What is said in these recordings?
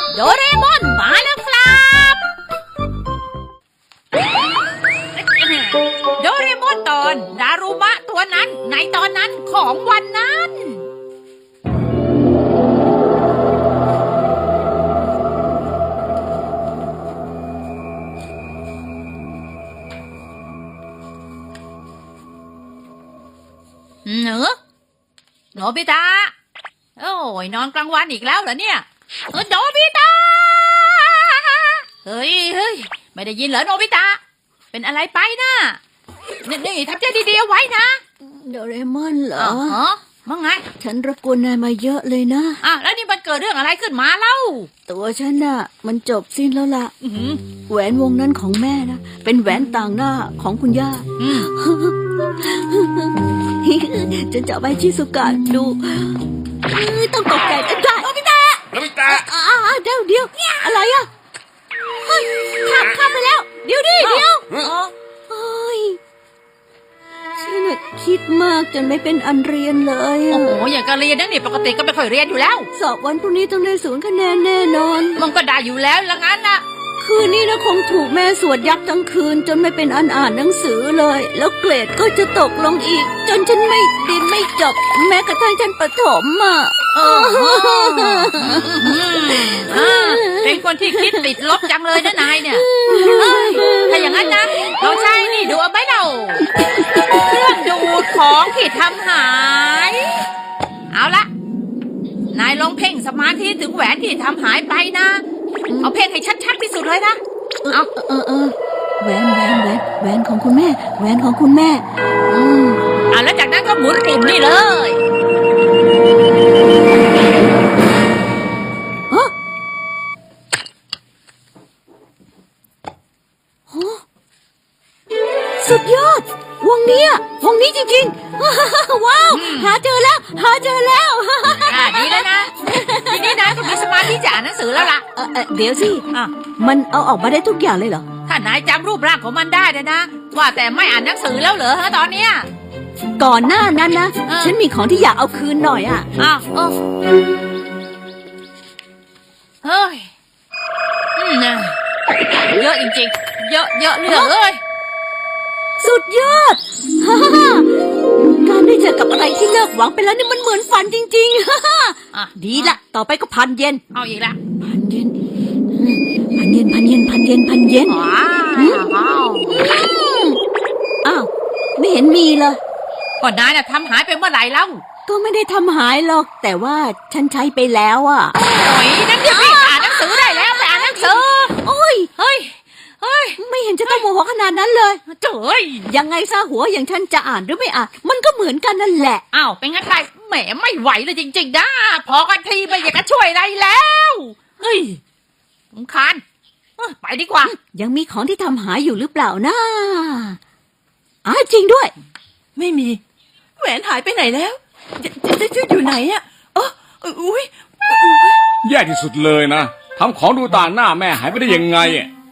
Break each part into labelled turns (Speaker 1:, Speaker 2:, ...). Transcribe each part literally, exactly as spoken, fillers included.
Speaker 1: โดเรมอนมาแล้วครับโดเรมอนตอนดารุมะตัวนั้นในตอนนั้นของวันนั้นเนอะโนบิตะโอ้ยนอนกลางวันอีกแล้วเหรอเนี่ยโนบิตะเฮ้ยเฮ้ยไม่ได้ยินเหรอโนบิตะเป็นอะไรไปนะนี่นี่ทำใจดีๆเอาไว้นะ
Speaker 2: โดเรมอนเหรอ
Speaker 1: ฮะว่าไง
Speaker 2: ฉันรบกวนนายมาเยอะเลยนะ
Speaker 1: อ่ะแล้วนี่มันเกิดเรื่องอะไรขึ้นมาเล่า
Speaker 2: ตัวฉันน่ะมันจบสิ้นแล้วล่ะแหวนวงนั้นของแม่นะเป็นแหวนต่างหน้าของคุณย่าฉันจะไปชิซุกะดูต้องตกใจกันได้
Speaker 1: โนบิตะ
Speaker 3: โนบิตะ
Speaker 2: เดี๋ยวเดี๋ยวอะไรอ่ะเฮ้ยข้ามข้ามไปแล้วเดี๋ยวดิเดี๋ยวเฮ้ยฉันคิดมากจนไม่เป็นอันเรียนเลย
Speaker 1: โอ้โหอย่างการเรียนนั่นนี่ปกติก็ไม่ค่อยเรียนอยู่แล้ว
Speaker 2: สอบวันพรุ่งนี้ต้องได้ศูนย์คะแนนแน่นอน
Speaker 1: มันก็ได้อยู่แล้วละงั้นนะ
Speaker 2: คืนนี้นะคงถูกแม่สวดยับทั้งคืนจนไม่เป็นอันอ่านหนังสือเลยแล้วเกรดก็จะตกลงอีกจนฉันไม่เรียนไม่จบแม้กระทั่งชั้นประถมอ่ะ
Speaker 1: เป็นคนที่คิดติดลบจังเลยนะนายเนี่ยถ้าอย่างนั้นนะเราใช้นี่ดูเอาไหมเราเครื่องดูดของที่ทำหายเอาละนายลองเพ่งสมาธิถึงแหวนที่ทำหายไปนะเอาเพ่งให้ชัดๆที่สุดเลยนะ
Speaker 2: เอาเออเออแหวนแหวนแหวนแหวนของคุณแม่แหวนของคุณแม่อืม
Speaker 1: อ่ะแล้วจากนั้นก็หมุนปุ่มนี่เลย
Speaker 2: ฮะสุดยอดวงนี้วงนี้จริงๆว้าวหาเจอแล้วหาเจอแล้ว
Speaker 1: อ่ะดีแล้วนะทีนี้นายก็มีสมาธิจะอ่านหนังสือแล้วล่ะ
Speaker 2: เดี๋ยวสิมันเอาออกมาได้ทุกอย่างเลยเหรอ
Speaker 1: ถ้านายจำรูปร่างของมันได้นะนะว่าแต่ไม่อ่านหนังสือแล้วเหรอฮะตอนเนี้ย
Speaker 2: ก่อนหน้านั้นนะฉันมีของที่อยากเอาคืนหน่อยอ่ะ
Speaker 1: อ้าวเฮ้ยเยอะจริงๆเยอะเยอะเหลือเลย
Speaker 2: สุดยอดการได้เจอกับอะไรที่เลิกหวังไปแล้วนี่มันเหมือนฝันจริงๆดีละต่อไปก็พันเยน
Speaker 1: เอาอีกละ
Speaker 2: พันเยนพันเยนพันเยนพันเยนพันเยน
Speaker 1: ว้าว
Speaker 2: อ้าวไม่เห็นมีเลย
Speaker 1: ก่อนนายน่ะทำหายไปเมื่อไหร่แล้ว
Speaker 2: ก็ไม่ได้ทำหายหรอกแต่ว่าฉันใช้ไปแล้วอ่ะ
Speaker 1: โอ้ยนั่นจะไปอ่านหนังสือได้แล้วไปอ่านหนังสือ
Speaker 2: โอ้ย
Speaker 1: เฮ้ยเฮ้ย
Speaker 2: ไม่เห็นจะต้องโมโหขนาดนั้นเลย
Speaker 1: เจ้ย
Speaker 2: ยังไงซะหัวอย่างฉันจะอ่านหรือไม่อ่านมันก็เหมือนกันนั่นแหละ
Speaker 1: อ้าวเป็นงั้นใครแหมไม่ไหวเลยจริงๆนะพอกันทีไม่อยากจะช่วยอะไรแล้วเฮ้ยสำคัญไปดีกว่า
Speaker 2: ยังมีของที่ทำหายอยู่หรือเปล่านะอ้าจริงด้วย
Speaker 4: ไม่มีแหวนหายไปไหนแล้วจะจะอยู่ไหนอ่ะเอออุ้ย
Speaker 3: แย่ที่สุดเลยนะทำของดูต่างหน้าแม่หายไปได้ยังไง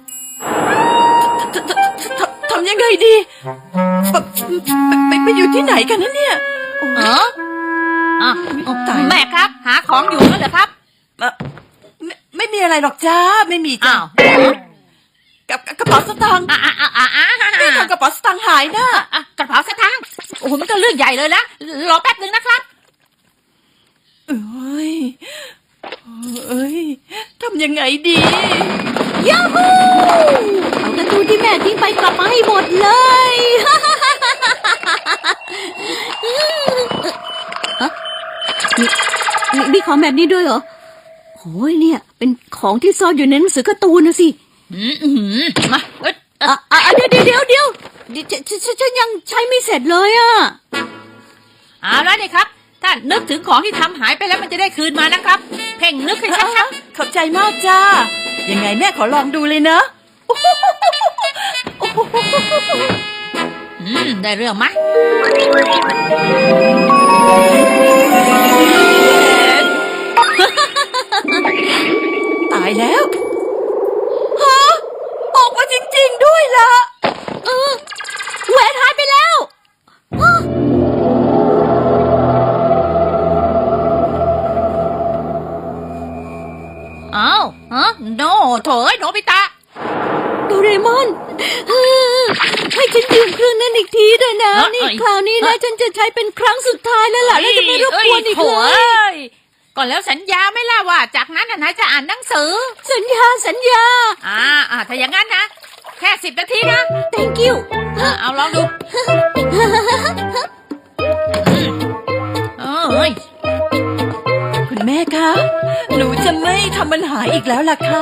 Speaker 4: ทำยังไงดีไปไปอยู่ที่ไหนกันนะเนี่ย
Speaker 1: เอออ่ะแม่ครับหาของอยู่นั่นเหรอครับ
Speaker 4: ไม่ไม่มีอะไรหรอกจ้าไม่มีจ้ากับกระเป๋าสตางค์
Speaker 1: อ่ะอ่ะอ่ะอ่ะ
Speaker 4: นี่ทำกระเป๋าสตางค์หายนะ
Speaker 1: กระเป๋าสตางค์โอ้โหมันก็เรื่องใหญ่เลยนะรอแป๊บนึงนะครับ
Speaker 4: เอ้ยเอ้ยทำยังไงดี
Speaker 2: ยาฮูเอาการ์ตูนที่แม่ทิ้งไปกลับมาให้หมดเลยมีมีของแบบนี้ด้วยเหรอโอ้ยเนี่ยเป็นของที่ซ่อนอยู่ในหนังสือการ์ตูนนะสิ
Speaker 1: มา
Speaker 2: อ่ะเดี๋ยวเดี๋ยวเดี๋ยวเดี๋ยวฉันยังใช้ไม่เสร็จเลยอ่ะ
Speaker 1: เอาแล้วนี่ครับถ้านึกถึงของที่ทำหายไปแล้วมันจะได้คืนมานะครับเพ่งนึกให้ชัด
Speaker 4: ๆขอบใจมากจ้ายังไงแม่ขอลองดูเลยนะ
Speaker 1: อืมได้เรื่องไหม
Speaker 4: ตายแล้วฮะออกมาจริงๆด้วยล่ะ
Speaker 2: เออแหวนหายไปแล้ว
Speaker 1: อ้าวฮะโนโถเอ้ยโนบิตะ
Speaker 2: โดเรมอนเออให้ฉันยืมเครื่องนั้นอีกทีด้วยนะ
Speaker 1: เอ้ย
Speaker 2: นี่คราวนี้นะฉันจะใช้เป็นครั้งสุดท้ายแล้วล่ะแล้วจะไม่รบกวนอีก
Speaker 1: โถ
Speaker 2: เล
Speaker 1: เอ้
Speaker 2: ย
Speaker 1: ยก่อนแล้วสัญญาไหม่ล่ะว่า จากนั้นน่ะนายจะอ่านหนังสือ
Speaker 2: สัญญาสัญญา
Speaker 1: อ่าอ่าถ้าอย่างนั้นนะ แค่สิบนาทีนะ
Speaker 2: thank you
Speaker 1: อ่าเอาลองดูอืมเอ้ย
Speaker 4: คุณแม่คะ หนูจะไม่ทำมันหายอีกแล้วล่ะค่ะ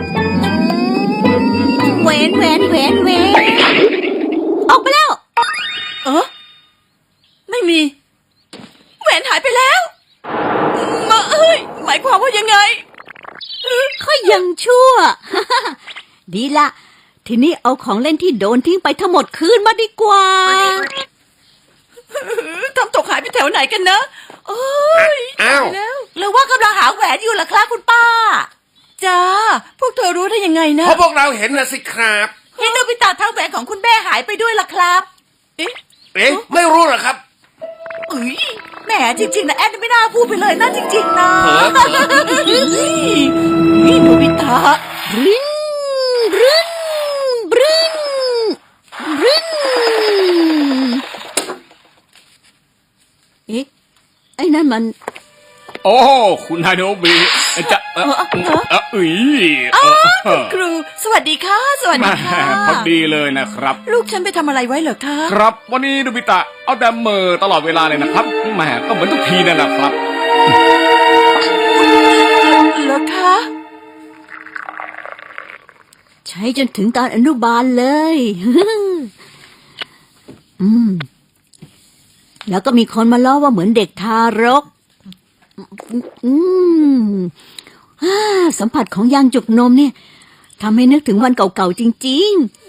Speaker 2: แหวนแหวนแหวนแหวนออกไปแล้ว
Speaker 4: เออไม่มี แหวนหายไปแล้ว มาเอ้ย หมายความว่ายังไง
Speaker 2: ก็ยังชั่ว ดีละ ทีนี้เอาของเล่นที่โดนทิ้งไปทั้งหมดคืนมาดีกว่า
Speaker 4: ทำตกหายไปแถวไหนกันนะ โอ้ย
Speaker 5: อ้าว
Speaker 4: ตยแล้วหรือว่ากำลังหาแหวนอยู่ล่ะครับคุณป้า จ้า พวกเธอรู้ได้ยังไงนะ
Speaker 5: เพราะพวกเราเห็นนะสิครับ
Speaker 4: เห็นโนบิตะทั้งแหวนของคุณแม่หายไปด้วยล่ะครับ เอ๊ะ
Speaker 5: เอ๊ะ ไม่รู้เหรอครับ
Speaker 4: เอ้ยแหมจริงๆนะแอนไม่น่าพูดไปเลยนะจริงๆนะ
Speaker 5: เผลอเผลอ
Speaker 4: นี่โนบิตะ
Speaker 2: บรินบรินบรินบรินเอ๊ะ ไอ้นั่นมัน
Speaker 3: โอ้คุณฮาโนบิจะเออเอออุ้ยเออ
Speaker 4: ครู สวัสดีค่ะ สวัส
Speaker 3: แห
Speaker 4: ดี
Speaker 3: ม่
Speaker 4: ค่ะ
Speaker 3: พอดีเลยนะครับ
Speaker 4: ลูกฉันไปทำอะไรไว้เหรอคะ
Speaker 3: ครับวันนี้โนบิตะเอาแต่เหมอตลอดเวลาเลยนะครับแหมก็เหมือนทุกทีนั่นแหละครับ
Speaker 4: เหรอคะ
Speaker 2: ใช้จนถึงตอนอนุบาลเลย อืม แล้วก็มีคนมาล้อว่าเหมือนเด็กทารก อืมอ่าสัมผัสของยางจุกนมเนี่ยทำให้นึกถึงวันเก่าๆจริง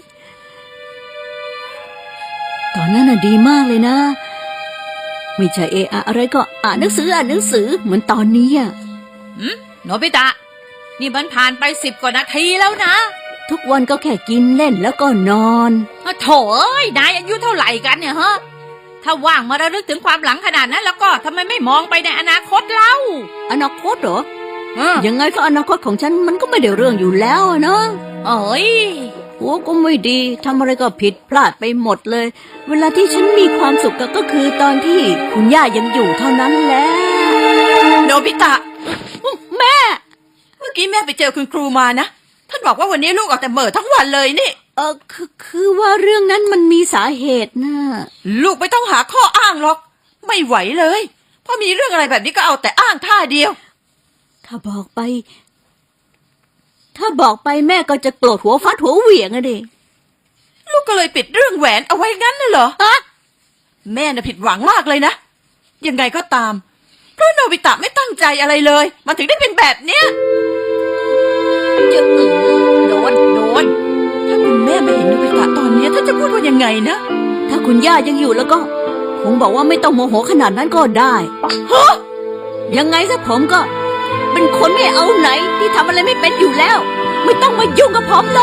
Speaker 2: ๆ ตอนนั้นน่ะดีมากเลยนะ ไม่ใช่เอะอะอะไรก็อ่านหนังสืออ่านหนังสือเหมือนตอนนี้อ่ะ
Speaker 1: หืมโนบิตะ นี่มันผ่านไปสิบกว่านาทีแล้วนะ
Speaker 2: ทุกวันก็แค่กินเล่นแล้วก็นอน
Speaker 1: อ่ะโถเอ้ยนายอายุเท่าไหร่กันเนี่ยฮะ ถ้าว่างมาระลึกถึงความหลังขนาดนั้นแล้วก็ทำไมไม่มองไปในอนาคตเล่า
Speaker 2: อนาคตเหรอ
Speaker 1: เออ
Speaker 2: ยังไงก็อนาคตของฉันมันก็ไม่ได้เรื่องอยู่แล้วอะเนาะ
Speaker 1: เอ้ย
Speaker 2: หัวก็ไม่ดีทำอะไรก็ผิดพลาดไปหมดเลย เวลาที่ฉันมีความสุขก็คือตอนที่คุณย่ายังอยู่เท่านั้นแหละ
Speaker 4: โนบิตะ
Speaker 2: แม่
Speaker 4: เมื่อกี้แม่ไปเจอคุณครูมานะ ท่านบอกว่าวันนี้ลูกออกแต่เหม่อทั้งวันเลยนี่
Speaker 2: เออคือคือว่าเรื่องนั้นมันมีสาเหตุนะ
Speaker 4: ลูกไม่ต้องหาข้ออ้างหรอก ไม่ไหวเลยพอมีเรื่องอะไรแบบนี้ก็เอาแต่อ้างท่าเดียว
Speaker 2: ถ้าบอกไป ถ้าบอกไปแม่ก็จะโกรธหัวฟัดหัวเหวี่ยงอะดิ
Speaker 4: ลูกก็เลยปิดเรื่องแหวนเอาไว้งั้นน่ะเหรอ
Speaker 2: อะ
Speaker 4: แม่น่ะผิดหวังมากเลยนะ ยังไงก็ตาม เพราะโนบิตะไม่ตั้งใจอะไรเลย มันถึงได้เป็นแบบเนี้ย
Speaker 1: จะอือโดน โดน
Speaker 4: ถ้าคุณแม่ไม่เห็นโนบิตะตอนนี้ท่านจะพูดว่ายังไงนะ
Speaker 2: ถ้าคุณย่ายังอยู่แล้วก็ คงบอกว่าไม่ต้องโมโหขนาดนั้นก็ได้ฮะยังไงซะผมก็ เป็นคนไม่เอาไหนที่ทำอะไรไม่เป็นอยู่แล้ว ไม่ต้องมายุ่งกับผมเลย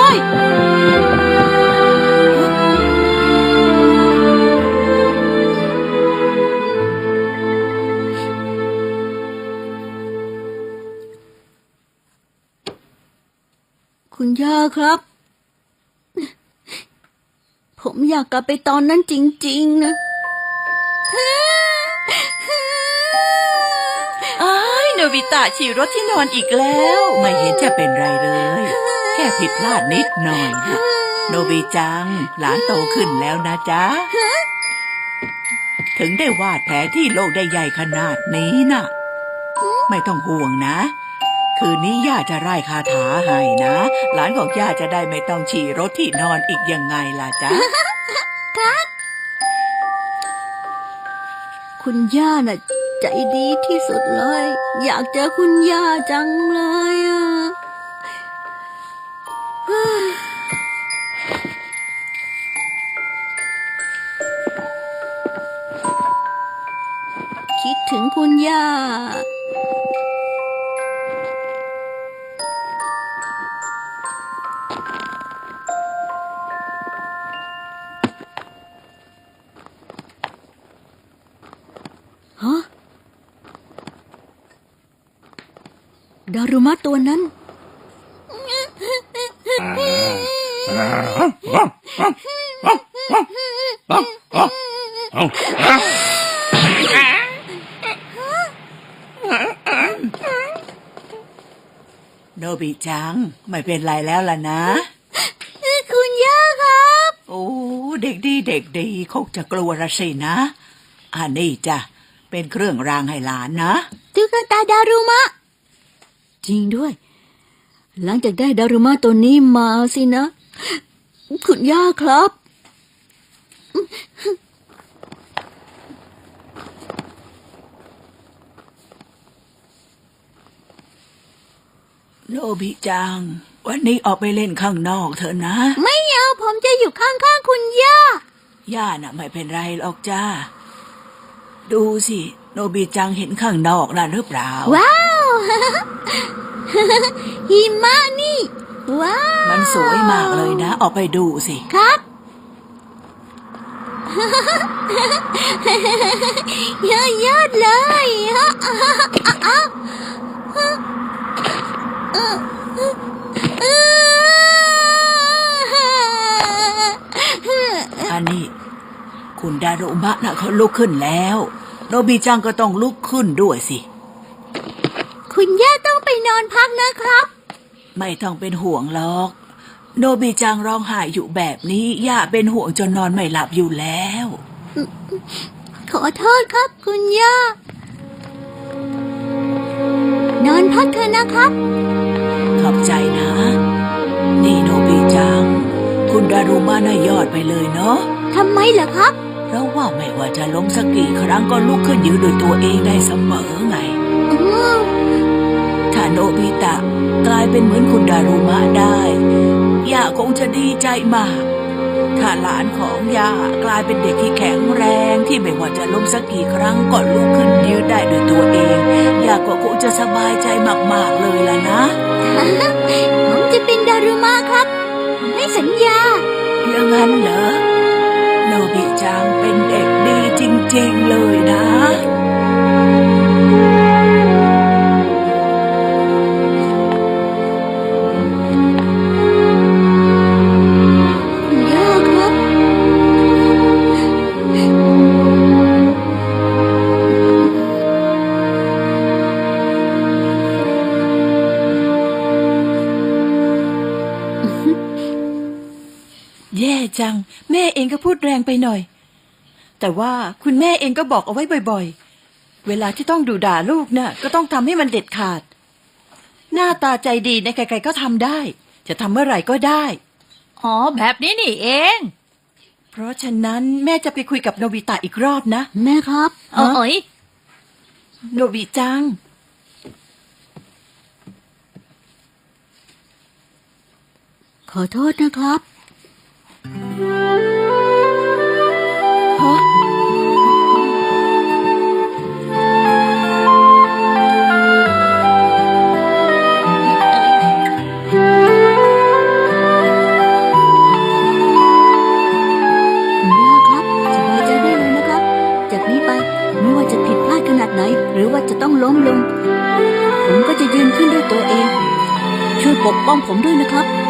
Speaker 2: คุณย่าครับ ผมอยากกลับไปตอนนั้นจริงๆนะ
Speaker 4: อ้ายโนบิตะฉี่รถที่นอนอีกแล้ว ไม่เห็นจะเป็นไรเลย แค่ผิดพลาดนิดหน่อยนะโนบิจัง หลานโตขึ้นแล้วนะจ๊ะ ถึงได้วาดแผลที่โลกได้ใหญ่ขนาดนี้น่ะ ไม่ต้องห่วงนะ คืนนี้ย่าจะไล่คาถาให้นะ หลานของย่าจะได้ไม่ต้องฉี่รถที่นอนอีกยังไงล่ะจ๊ะ
Speaker 2: คุณย่าน่ะ ใจดีที่สุดเลย อยากเจอคุณย่าจังเลยอ่ะ คิดถึงคุณย่า ฮะ ดารุมะตัวนั้น
Speaker 4: โนบิจังไม่เป็นไรแล้วล่ะนะ
Speaker 2: คุณย่าครับ
Speaker 4: โอ้เด็กดีเด็กดีคงจะกลัวละสินะอันนี้จ้ะเป็นเครื่องรางให้หลานนะ
Speaker 2: ตุ๊กตาดารุมะ จริงด้วย หลังจากได้ดารุมะตัวนี้มาสินะ คุณย่าครับ
Speaker 4: โนบิจังวันนี้ออกไปเล่นข้างนอกเถอะนะ
Speaker 2: ไม่เอาผมจะอยู่ข้างๆคุณย่า
Speaker 4: ย่าน่ะไม่เป็นไรหรอกจ้าดูสิโนบิจังเห็นข้างนอกน่ะหรือเปล่า
Speaker 2: ว้าว หิมะนี่ ว้าว
Speaker 4: มันสวยมากเลยนะ ออกไปดูสิ
Speaker 2: ครับ ยอดยอดเลย
Speaker 4: อันนี้คุณดารุมะน่ะเขาลุกขึ้นแล้ว โนบิจังก็ต้องลุกขึ้นด้วยสิ
Speaker 2: คุณย่าต้องไปนอนพักนะครับ
Speaker 4: ไม่ต้องเป็นห่วงหรอก โนบิจังร้องไห้อยู่แบบนี้ย่าเป็นห่วงจนนอนไม่หลับอยู่แล้ว
Speaker 2: ขอโทษครับคุณย่า นอนพักเถอะนะครับ
Speaker 4: ขอบใจนะ นี่โนบิจัง คุณดารุมะน่ะยอดไปเลยเนาะ
Speaker 2: ทำไมเหรอครับ
Speaker 4: เพราะว่าไม่ว่าจะล้มสักกี่ครั้งก็ลุกขึ้นยืนด้วยตัวเองได้เสมอไง
Speaker 2: อืม
Speaker 4: ถ้าโนบิตะกลายเป็นเหมือนคุณดารุมะได้ย่าคงจะดีใจมาก ถ้าหลานของย่ากลายเป็นเด็กที่แข็งแรงที่ไม่ว่าจะล้มสักกี่ครั้งก็ลุกขึ้นยืนได้ด้วยตัวเองย่าก็คงจะสบายใจมากๆเลยล่ะนะ
Speaker 2: ผมจะเป็นดารุมะครับผมให้สัญญา
Speaker 4: อย่างนั้นเหรอโนบิจังเป็นเด็กดีจริงๆเลยนะ
Speaker 2: คุณย่าครับ
Speaker 6: แย่จังแม่เองก็พูดแรงไปหน่อย แต่ว่าคุณแม่เองก็บอกเอาไว้บ่อยๆเวลาที่ต้องดุด่าลูกน่ะก็ต้องทำให้มันเด็ดขาด หน้าตาใจดีในใครๆก็ทำได้ จะทำเมื่อไหร่ก็ได้
Speaker 1: อ๋อแบบนี้นี่เอง
Speaker 6: เพราะฉะนั้นแม่จะไปคุยกับโนบิตะอีกรอบนะ
Speaker 2: แม่ครับ
Speaker 1: เอ๋ย
Speaker 6: โนบิจัง
Speaker 2: ขอโทษนะครับ
Speaker 6: ฮะ
Speaker 2: คุณย่าครับสบายใจได้เลยนะครับ จากนี้ไปไม่ว่าจะผิดพลาดขนาดไหน หรือว่าจะต้องล้มลง ผมก็จะยืนขึ้นด้วยตัวเอง ช่วยปกป้องผมด้วยนะครับ